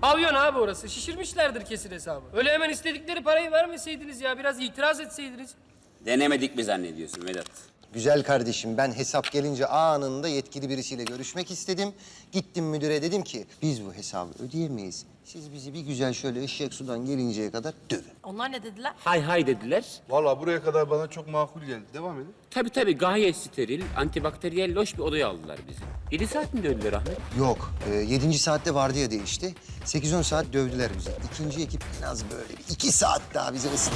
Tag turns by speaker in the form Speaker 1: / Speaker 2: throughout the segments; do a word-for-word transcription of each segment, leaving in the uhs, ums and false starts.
Speaker 1: Pavyon abi orası. Şişirmişlerdir kesin hesabı. Öyle hemen istedikleri parayı vermeseydiniz ya. Biraz itiraz etseydiniz.
Speaker 2: Denemedik mi zannediyorsun Vedat?
Speaker 3: Güzel kardeşim, ben hesap gelince anında yetkili birisiyle görüşmek istedim. Gittim müdüre, dedim ki biz bu hesabı ödeyemeyiz. Siz bizi bir güzel şöyle eşek sudan gelinceye kadar dövün.
Speaker 4: Onlar ne dediler?
Speaker 2: Hay hay dediler.
Speaker 5: Vallahi buraya kadar bana çok makul geldi. Devam edin.
Speaker 2: Tabii tabii gayet steril, antibakteriyel loş bir odaya aldılar bizi. Yedi saat mi dövdüler Ahmet?
Speaker 3: Yok, e, yedinci saatte vardiya değişti. Sekiz on saat dövdüler bizi. İkinci ekip en az böyle bir iki saat daha bizi ısladı.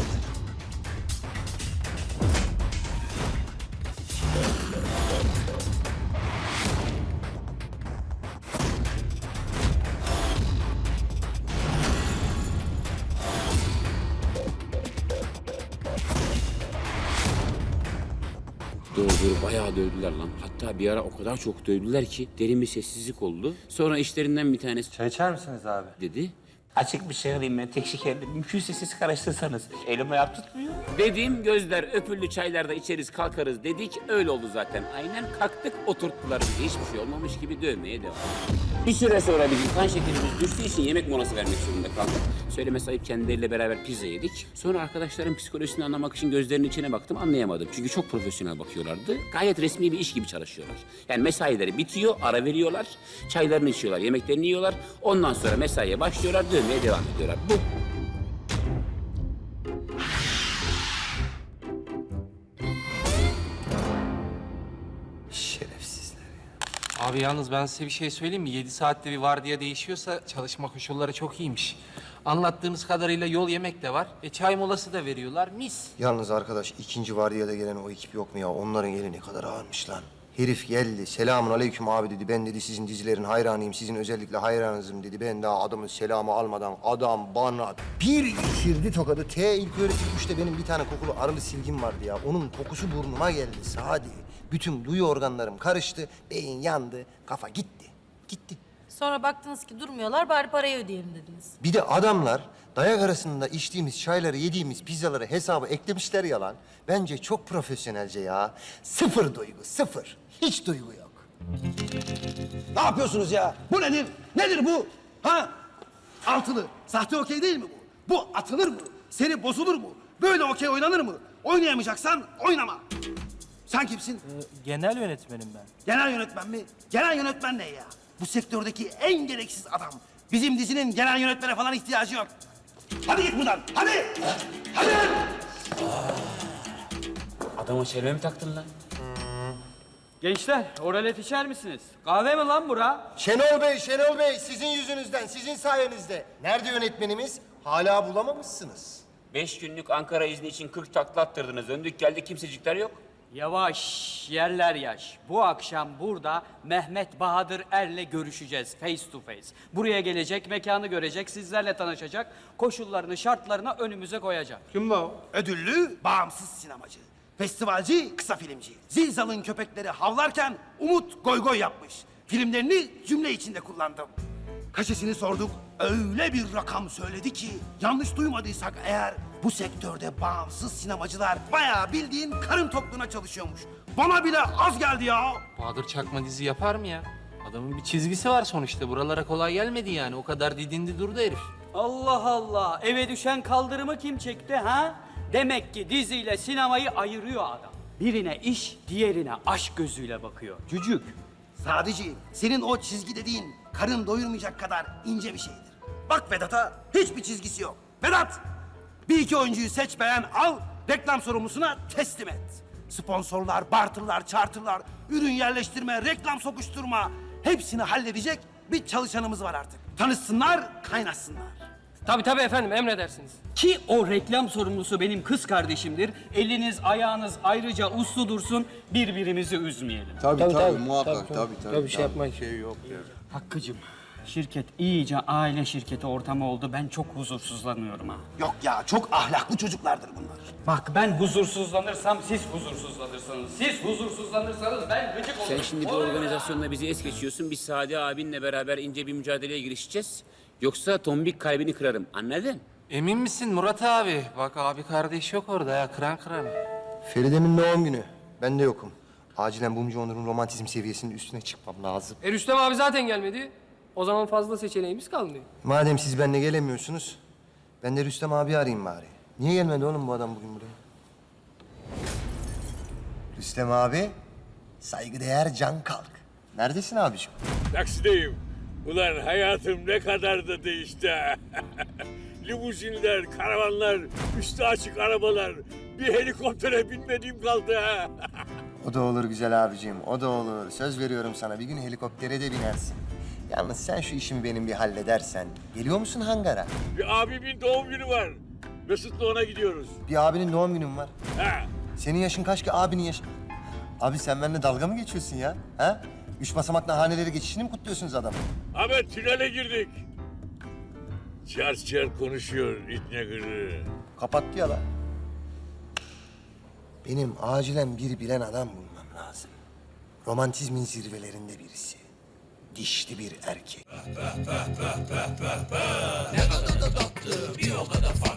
Speaker 2: Doğru doğru bayağı dövdüler lan. Hatta bir ara o kadar çok dövdüler ki derin bir sessizlik oldu. Sonra işlerinden bir tanesi
Speaker 6: Çay içer misiniz abi?
Speaker 2: dedi.
Speaker 7: Açık bir şey alayım ben tek şekerli. Mümkünse siz karıştırsanız. Elim ayağım tutmuyor.
Speaker 2: Dediğim gözler öpüllü çaylarda içeriz kalkarız dedik. Öyle oldu zaten. Aynen kalktık oturttular bizi. Hiçbir şey olmamış gibi dövmeye devam. Bir süre sonra bizim kan şekerimiz düştüğü için yemek molası vermek zorunda kaldık. Söylemesi ayıp kendileriyle beraber pizza yedik. Sonra arkadaşların psikolojisini anlamak için gözlerinin içine baktım anlayamadım. Çünkü çok profesyonel bakıyorlardı. Gayet resmi bir iş gibi çalışıyorlar. Yani mesaileri bitiyor, ara veriyorlar. Çaylarını içiyorlar, yemeklerini yiyorlar. Ondan sonra mesaiye başlıyorlar, dövmeye devam ediyorlar. Bu.
Speaker 3: Şerefsizler ya.
Speaker 6: Abi yalnız ben size bir şey söyleyeyim mi? Yedi saatte bir vardiya değişiyorsa çalışma koşulları çok iyiymiş. Anlattığınız kadarıyla yol yemek de var. E çay molası da veriyorlar. Mis.
Speaker 3: Yalnız arkadaş, ikinci vardiyada gelen o ekip yok mu ya? Onların eli ne kadar ağırmış lan. Herif geldi, selamun aleyküm abi dedi. Ben dedi sizin dizilerin hayranıyım, sizin özellikle hayranınızım dedi. Ben daha adamın selamı almadan adam bana bir içirdi tokadı. T ilk öğretim üçte benim bir tane kokulu arılı silgim vardı ya. Onun kokusu burnuma geldi Sadi. Bütün duyu organlarım karıştı, beyin yandı, kafa gitti. Gitti.
Speaker 4: Sonra baktınız ki durmuyorlar, bari parayı ödeyelim dediniz.
Speaker 3: Bir de adamlar dayak arasında içtiğimiz çayları, yediğimiz pizzaları hesaba eklemişler yalan. Bence çok profesyonelce ya. Sıfır duygu, sıfır. Hiç duygu yok.
Speaker 8: Ne yapıyorsunuz ya? Bu nedir? Nedir bu? Ha? Altılı. Sahte okey değil mi bu? Bu atılır mı? Seri bozulur mu? Böyle okey oynanır mı? Oynayamayacaksan oynama. Sen kimsin?
Speaker 6: Genel yönetmenim ben.
Speaker 8: Genel yönetmen mi? Genel yönetmen ne ya? Bu sektördeki en gereksiz adam. Bizim dizinin genel yönetmene falan ihtiyacı yok. Hadi git buradan. Hadi. Hadi.
Speaker 2: Adama çelme mi taktın lan?
Speaker 9: Gençler, oralet içer misiniz? Kahve mi lan bura?
Speaker 3: Şenol Bey, Şenol Bey sizin yüzünüzden, sizin sayenizde. Nerede yönetmenimiz? Hala bulamamışsınız.
Speaker 2: Beş günlük Ankara izni için kırk takla attırdınız. Döndük geldik kimsecikler yok.
Speaker 9: Yavaş, yerler yaş. Bu akşam burada Mehmet Bahadır Er'le görüşeceğiz face to face. Buraya gelecek, mekanı görecek, sizlerle tanışacak, koşullarını, şartlarını önümüze koyacak.
Speaker 5: Kim la o?
Speaker 8: Ödüllü, bağımsız sinemacı. Festivalci, kısa filmci. Zilzal'ın köpekleri havlarken Umut goy goy yapmış. Filmlerini cümle içinde kullandım. Kaşesini sorduk, öyle bir rakam söyledi ki... ...yanlış duymadıysak eğer bu sektörde bağımsız sinemacılar... ...bayağı bildiğin karın tokluğuna çalışıyormuş. Bana bile az geldi ya.
Speaker 6: Bahadır Çakma dizi yapar mı ya? Adamın bir çizgisi var sonuçta. Buralara kolay gelmedi yani. O kadar didindi durdu herif.
Speaker 9: Allah Allah, eve düşen kaldırımı kim çekti ha? Demek ki diziyle sinemayı ayırıyor adam. Birine iş, diğerine aşk gözüyle bakıyor. Cücük.
Speaker 8: Sadece senin o çizgi dediğin karın doyurmayacak kadar ince bir şeydir. Bak Vedat'a hiçbir çizgisi yok. Vedat, bir iki oyuncuyu seç beğen al, reklam sorumlusuna teslim et. Sponsorlar, barterlar, charterlar, ürün yerleştirme, reklam sokuşturma hepsini halledecek bir çalışanımız var artık. Tanışsınlar, kaynaşsınlar.
Speaker 1: Tabii tabii efendim, emredersiniz.
Speaker 9: Ki o reklam sorumlusu benim kız kardeşimdir. Eliniz ayağınız ayrıca uslu dursun, birbirimizi üzmeyelim.
Speaker 5: Tabii
Speaker 1: Tabii,
Speaker 5: tabii,
Speaker 1: tabii,
Speaker 5: muhakkak
Speaker 1: tabii,
Speaker 5: tabii
Speaker 1: tabii.
Speaker 5: tabii.
Speaker 1: Tabii, şey yapmayın.
Speaker 5: Şey yok ya.
Speaker 9: Hakkı'cığım, şirket iyice aile şirketi ortamı oldu. Ben çok huzursuzlanıyorum ha.
Speaker 8: Yok ya, çok ahlaklı çocuklardır bunlar.
Speaker 9: Bak ben huzursuzlanırsam siz huzursuzlanırsınız. Siz huzursuzlanırsanız ben gıcık olurum.
Speaker 2: Sen şimdi bu organizasyonla bizi es geçiyorsun. Biz Sadi abinle beraber ince bir mücadeleye girişeceğiz. Yoksa tombik kalbini kırarım. Anladın?
Speaker 6: Emin misin Murat abi? Bak abi kardeş yok orada ya. Kıran kıran.
Speaker 3: Feride'min doğum günü. Ben de yokum. Acilen Bumcu Onur'un romantizm seviyesinin üstüne çıkmam lazım.
Speaker 1: E Rüstem abi zaten gelmedi. O zaman fazla seçeneğimiz kalmıyor.
Speaker 3: Madem siz benimle gelemiyorsunuz, ben de Rüstem abi arayayım bari. Niye gelmedi oğlum bu adam bugün buraya? Rüstem abi, saygıdeğer Can Kalk. Neredesin abiciğim?
Speaker 10: Taksideyim. Ulan hayatım ne kadar da değişti. Limuzinler, karavanlar, üstü açık arabalar. Bir helikoptere binmediğim kaldı ha.
Speaker 3: O da olur güzel abiciğim, o da olur. Söz veriyorum sana, bir gün helikoptere de binersin. Yalnız sen şu işimi benim bir halledersen, geliyor musun hangara?
Speaker 10: Bir abimin doğum günü var. Mesut'la ona gidiyoruz.
Speaker 3: Bir abinin doğum günün var.
Speaker 10: Ha.
Speaker 3: Senin yaşın kaç ki abinin yaşı? Abi sen benimle dalga mı geçiyorsun ya? Ha? Üç basamaklı haneleri geçişini mi kutluyorsunuz adamı?
Speaker 10: Ahmet tünele girdik. Çar çar konuşuyor itne gırı.
Speaker 3: Kapattı ya lan. Benim acilen bir bilen adam bulmam lazım. Romantizmin zirvelerinde birisi. Dişli bir erkek.